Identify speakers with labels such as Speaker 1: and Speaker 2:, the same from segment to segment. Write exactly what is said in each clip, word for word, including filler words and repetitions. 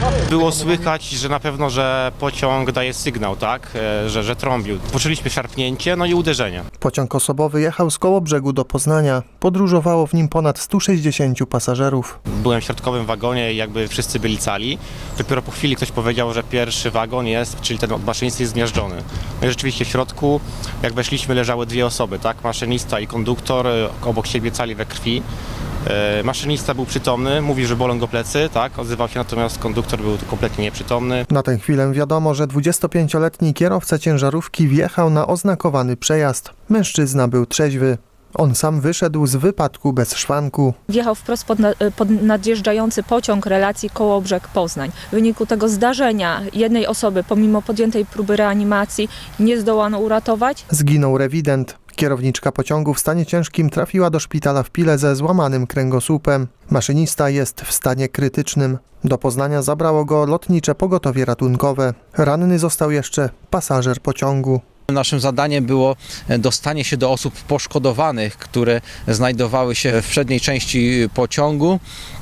Speaker 1: Było słychać, że na pewno, że pociąg daje sygnał, tak, że, że trąbił. Poczuliśmy szarpnięcie, no i uderzenie.
Speaker 2: Pociąg osobowy jechał z Kołobrzegu do Poznania. Podróżowało w nim ponad stu sześćdziesięciu pasażerów.
Speaker 1: Byłem w środkowym wagonie i jakby wszyscy byli cali. Dopiero po chwili ktoś powiedział, że pierwszy wagon jest, czyli ten od maszynisty jest zmiażdżony. No i rzeczywiście w środku, jak weszliśmy, leżały dwie osoby, tak, maszynista i konduktor, obok siebie cali we krwi. Maszynista był przytomny, mówił, że bolą go plecy, tak, odzywał się, natomiast konduktor był kompletnie nieprzytomny.
Speaker 2: Na tę chwilę wiadomo, że dwudziestopięcioletni kierowca ciężarówki wjechał na oznakowany przejazd. Mężczyzna był trzeźwy. On sam wyszedł z wypadku bez szwanku.
Speaker 3: Wjechał wprost pod, na, pod nadjeżdżający pociąg relacji Kołobrzeg-Poznań. W wyniku tego zdarzenia jednej osoby, pomimo podjętej próby reanimacji, nie zdołano uratować.
Speaker 2: Zginął rewident. Kierowniczka pociągu w stanie ciężkim trafiła do szpitala w Pile ze złamanym kręgosłupem. Maszynista jest w stanie krytycznym. Do Poznania zabrało go lotnicze pogotowie ratunkowe. Ranny został jeszcze pasażer pociągu.
Speaker 4: Naszym zadaniem było dostanie się do osób poszkodowanych, które znajdowały się w przedniej części pociągu,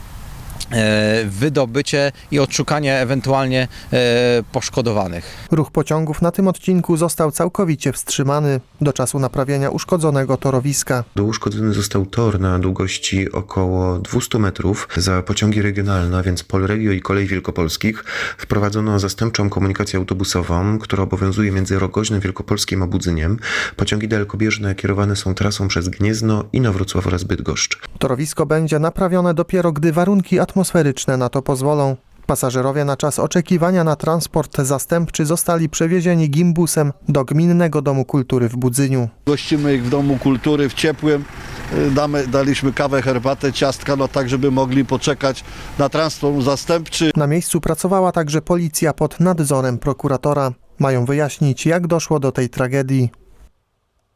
Speaker 4: wydobycie i odszukanie ewentualnie poszkodowanych.
Speaker 2: Ruch pociągów na tym odcinku został całkowicie wstrzymany do czasu naprawienia uszkodzonego torowiska.
Speaker 5: Uszkodzony został tor na długości około dwieście metrów. Za pociągi regionalne, a więc Polregio i Kolei Wielkopolskich, wprowadzono zastępczą komunikację autobusową, która obowiązuje między Rogoźnem Wielkopolskim a Budzyniem. Pociągi dalekobieżne kierowane są trasą przez Gniezno, Inowrocław oraz Bydgoszcz.
Speaker 2: Torowisko będzie naprawione dopiero, gdy warunki atmosferyczne atmosferyczne na to pozwolą. Pasażerowie na czas oczekiwania na transport zastępczy zostali przewiezieni gimbusem do Gminnego Domu Kultury w Budzyniu.
Speaker 6: Gościmy ich w Domu Kultury w ciepłym. Damy, daliśmy kawę, herbatę, ciastka, no tak, żeby mogli poczekać na transport zastępczy.
Speaker 2: Na miejscu pracowała także policja pod nadzorem prokuratora. Mają wyjaśnić, jak doszło do tej tragedii.